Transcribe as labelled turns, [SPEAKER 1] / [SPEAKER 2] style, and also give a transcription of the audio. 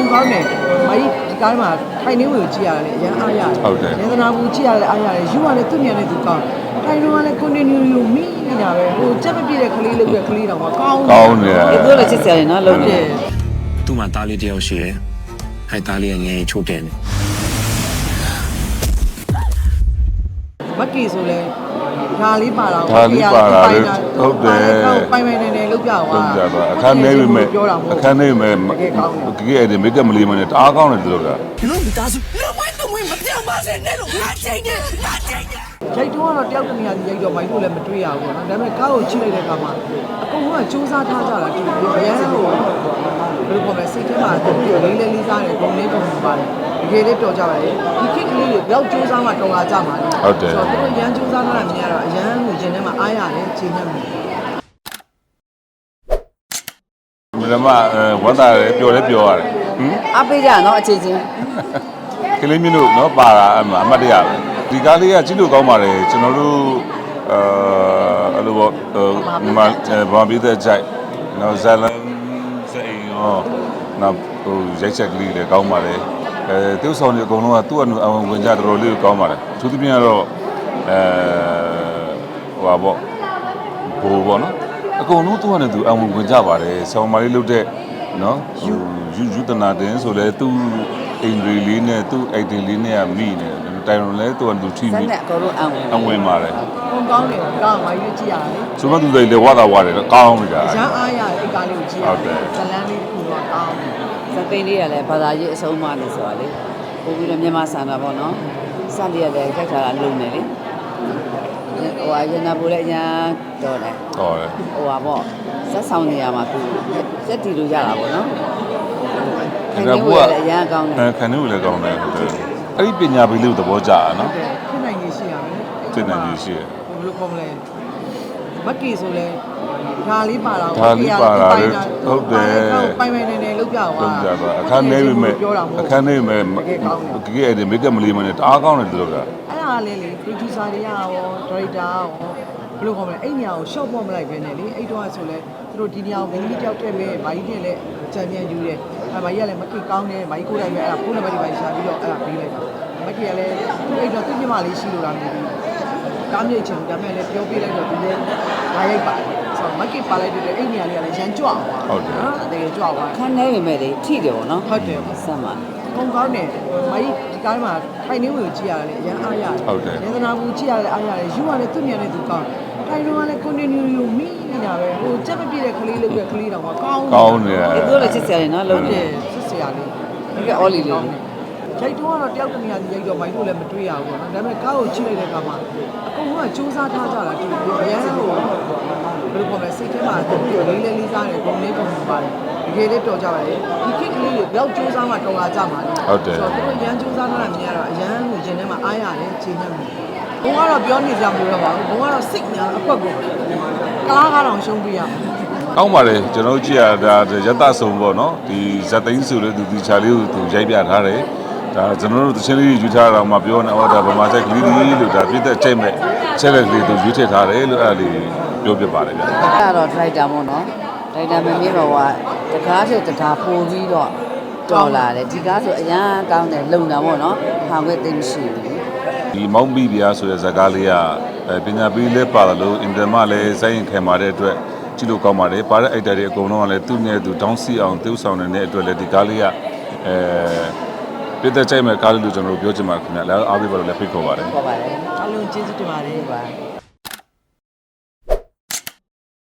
[SPEAKER 1] ကောင်းတယ်မကြီးဒီကားမှာထိုင်နေဝင်ကြည့်ရတယ်အရန်အားရတယ်နေသနာဘူးကြည့်ရတယ်အားရတယ်ယူကလည်းသူ့မြန်နဲ့သူကောင်းထိုင်တော့ကလည်း continue ယူမိနေတာပဲဟိုကြက်မပြည့်တဲ့ကလေးလုပ်တဲ့ကလေးတော့မကောင်း
[SPEAKER 2] တယ်
[SPEAKER 3] ဒီလိုလည်းချစ်စရာလေနော်လုံးတယ်
[SPEAKER 4] သူ့မှာတားလေးတယောက်ရှိတယ်ဟဲ့တားလေးငယ်ချို့တယ်
[SPEAKER 1] မက်ကီဆိုလဲဒါလေးပါတော့
[SPEAKER 2] ဟုတ်တယ်
[SPEAKER 1] ပိုင်ပိုင်နေလုပ်ပြသွား
[SPEAKER 2] အခန်းနေပြီမဲ့အခန်းနေပြီမဲ့ကြီးအဲ့ဒီမိတ်ကမလီမနဲ့တအားကောင်းတယ်လို့က
[SPEAKER 4] ဒီလိုမိသားစုလုံးဝတော့ဝင်မပြောင်းပါစေနဲ့လို့ငါချိန်တယ်ငါချိန်တယ်
[SPEAKER 1] ရိုက်တော့တယောက်တနေရာကြီးရိုက်တော့မိုင်းလို့လည်းမတွေ့ရဘူးပေါ့နော်ဒါပေမဲ့ကားကိုချိလိုက်တဲ့အခါမှာအကုန်လုံးကစူးစမ်းထားကြတာဒီရန်ကိုဘယ်လိုပေါ်လဲစိတ်ထဲမှာတူလေးလေးလေးစားတယ်ဂုံလေးပုံပါတယ်တကယ်လေးတော်ကြပါလေဒီခစ်ကလေးတွေဘယ်စူးစမ်းမှတော်လာကြမှာလဲ
[SPEAKER 2] ဟုတ်တယ်
[SPEAKER 1] ဆိုတော့သူတို့ရန်စူးစမ်းထားတာမြင်ရတော့အရန်ကိုရင်ထဲမှာအားရတယ်ချိန်နေမှာ
[SPEAKER 2] မမဝတ်တာပျော်လဲပျော်ရတယ်
[SPEAKER 3] အားပေးကြနော်အခြေချင်း
[SPEAKER 2] ကလေးမျိုးလို့နော်ပါတာအမတ်တရပဲဒီကားလေးကကြည့်လို့ကောင်းပါတယ်ကျွန်တော်တို့အဲ့လိုပေါ့ဘာပြီးတဲ့ကြိုက်နော်ဇလန်စိန်ရောနော်ဟိုရိုက်ချက်ကလေးလည်းကောင်းပါတယ်သူ့ဆောင်တွေအကုန်လုံးကသူ့အဝင်ကြတော်တော်လေးကောင်းပါတယ်သူသဖြင့်ကတော့ဟိုပါပေါ့ဘိုးပေါ့နော်အကုန်လုံးသူ့ကနေသူအဝင်ကြပါတယ်ဆောင်းမလေးလုတ်တဲ့နော်ယူတနာတင်ဆိုလဲသူ့အင်္ဂလိပ်လေးနဲ့သူ့အိုက်တင်လေးနဲ့မိနေတိုင်ရုံလဲသူ့ကသူထိမိ
[SPEAKER 3] စက်နဲ့အကုန်လုံး
[SPEAKER 2] အဝင်ပါတယ်
[SPEAKER 1] ပုံကောင်းတယ်ကောင်းပါရွေးကြည့်ရတယ်
[SPEAKER 2] ဆိုမှသူတွေလေဝါတာဝါတယ်ကောင်းနေတာ
[SPEAKER 1] ရမ်းအားရတယ်အိတ်ကားလေးကိုကြည့်ရတယ်ဇလန်းလေးကိုတော့ကောင်းတယ်
[SPEAKER 3] စက်သိန်းလေးကလည်းဘာသာရေးအဆုံးအမလို့ဆိုတာလေပို့ပြီးတော့မြန်မာဆန်တာပေါ့နော်စက်လေးကလည်းကြိုက်တာလုံနေလေဟိုရနာပိုးလည်းအရင်တော်တယ်
[SPEAKER 2] တော်တယ်
[SPEAKER 3] ဟိုပါပေါ့စက်ဆောင်နေရမှာသူစက်တီလို့ရတာပေါ့နော်
[SPEAKER 2] ခဏဘူး
[SPEAKER 3] ကအရင်ကောင်းတယ်
[SPEAKER 2] ခဏဘူးလည်းကောင်းတယ်အဲ့ဒီပညာပေးလို့သဘောကျတာနော်
[SPEAKER 1] ဖြစ်နိုင်ရရှိရမယ်
[SPEAKER 2] ဖြစ်နိုင်ရရှိရ
[SPEAKER 1] ဘယ်လိုခေါ်မလဲမက်ကီဆိုလဲဒါလေးပါတော့
[SPEAKER 2] ဒါလေးပါတာဟုတ်တယ်
[SPEAKER 1] ပိုင်နေလုပ်ပြသွား
[SPEAKER 2] အခန်းနေပြီမဲ့အခန်းနေပြီမဲ့ကြီးအဲ့ဒီမိတ်ကမလီမနဲ့တအားကောင်းတယ်လို့က
[SPEAKER 1] အဲ့ဒါလေးလေ producer တွေကရော director ရောဘယ်လိုခေါ်မလဲအဲ့နေရာကို short ပေါ်မလိုက်ပဲနဲ့လေအဲ့တော့ဆိုလဲသူတို့ဒီနေရာကိုမင်းကြီးတယောက်တည်းပဲမာကြီးတင်လဲချန်ပီယံယူတယ်အဲ့မာကြီးကလည်းမက်ကီကောင်းတယ်မာကြီးကိုယ်တိုင်ပဲအဲ့ဒါဖုန်းနံပါတ်တွေပါရှာပြီးတော့အဲ့ဒါပေးလိုက်တာမက်ကီကလည်းသူ့အဲ့တော့သူ့ညီမလေးရှိလို့လားမသိဘူးကားမြိတ်ချင်ဒါပေမဲ့လည်းပြောပြလိုက်တော့ဒီလေလာရိုက်ပါတယ်ဆိုတော့မက်ကီပါလိုက်တဲ့အဲ့နေရာလေးကလည်းရန်ကြွအောင်
[SPEAKER 2] ဟုတ်တယ်
[SPEAKER 1] နော်တကယ်ကြွအောင်
[SPEAKER 3] ခန်းနေပေမဲ့လေထိတယ်ပေါ့နော်
[SPEAKER 1] ဟုတ်တယ်
[SPEAKER 3] ဆက်မှာ
[SPEAKER 1] ပုံကောင်းတယ်မကြီးဒီကားမှာထိုင်နေဝင်ကြည့်ရတယ်အရန်အားရတယ်နေသနာဘူးကြည့်ရတယ်အားရတယ်ယူကလည်းသူ့မြန်နဲ့သူကောင်းထိုင်တော့ကလည်း continue ယူမိနေတာပဲဟိုကြက်မပြည့်တဲ့ကလေးလုပ်တဲ့ကလေးတော့မကောင်း
[SPEAKER 2] တယ်
[SPEAKER 3] ဒီလိုလည်းချစ်စရာလေနော်လုံးတယ်
[SPEAKER 1] ချစ်စရာလေး
[SPEAKER 3] ဒီကအော်လီလေး
[SPEAKER 1] ရိုက်တော့တယောက်တနေရာကြီးရိုက်တော့မိုင်းလို့လည်းမတွေ့ရဘူးပေါ့နော်ဒါပေမဲ့ကားကိုချိလိုက်တဲ့အခါမှာအကုန်လုံးကစူးစမ်းထားကြတာဒီရန်ကိုဘယ်လိုပေါ်လဲစိတ်ထဲမှာတူလေးလေးလေးစားတယ်ဂုံလေးပုံပါတယ်တကယ်လေးတော်ကြပါလေဒီခစ်ကလေးတွေဘယ်စူးစမ်းမှတော်လာကြမှာလဲ
[SPEAKER 2] ဟုတ်တယ်
[SPEAKER 1] ဆိုတော့သူတို့ရန်စူးစမ်းတာမြင်ရတော့အရန်ကိုရင်ထဲမှာအားရတယ်ချိန်နေမှာဘုံကတော့ပြောနေကြမလို့တော့ပါဘူးဘုံကတော့စိတ်ညာအကွက်ကိုကလားကတော့ရှုံးပြရမှာ
[SPEAKER 2] ကောင်းပါလေကျွန်တော်ကြည့်ရတာရတဆုံပေါ့နော်ဒီဇက်သိန်းဆိုလို့သူချာလေးကိုသူရိုက်ပြထားတယ်ဒါကျွန်တော်တို့တချင်းလေးယူထားတာမှပြောနေဟောဒါဗမာဆိုင်ကလေးလေးလို့ဒါပြည့်တဲ့ချိန်မဲ့ချက်လက်လေးသူယူထည့်ထားတယ်လို့အဲ့ဒါလေးပြောပြပါတယ်ဗျာ
[SPEAKER 3] အဲ့တော့ driver ပေါ့နော် driver မမြင်တော့ကတကားတဲ့တကားပို့ပြီးတော့တော်လာတယ်ဒီကားဆိုအရန်ကောင်းတယ်လုံတာပေါ့နော်ဟာခွဲသိမရှိဘူး
[SPEAKER 2] ဒီမောင်ဘီဗျာဆိုတဲ့ဇာကားလေးကပညာပေးလဲပါတယ်လို့အင်တာမလည်းစိုင်းခင်ပါတဲ့အတွက်ကြည့်လို့ကောင်းပါတယ်ပါတဲ့အိုက်တာတွေအကုန်လုံးကလည်းသူ့နဲ့သူတောင်းစီအောင်တိုးဆောင်နေတဲ့အတွက်လည်းဒီကားလေးကပြည့်တဲ့ချိန်မဲ့ကားလေးလို့ကျွန်တော်တို့ပြောချင်ပါခင်ဗျာလည်းအားပေးပါလို့လည်းဖိတ်ခေါ်ပါတယ်
[SPEAKER 1] အားလုံးကျေးဇူးတင်ပါတယ်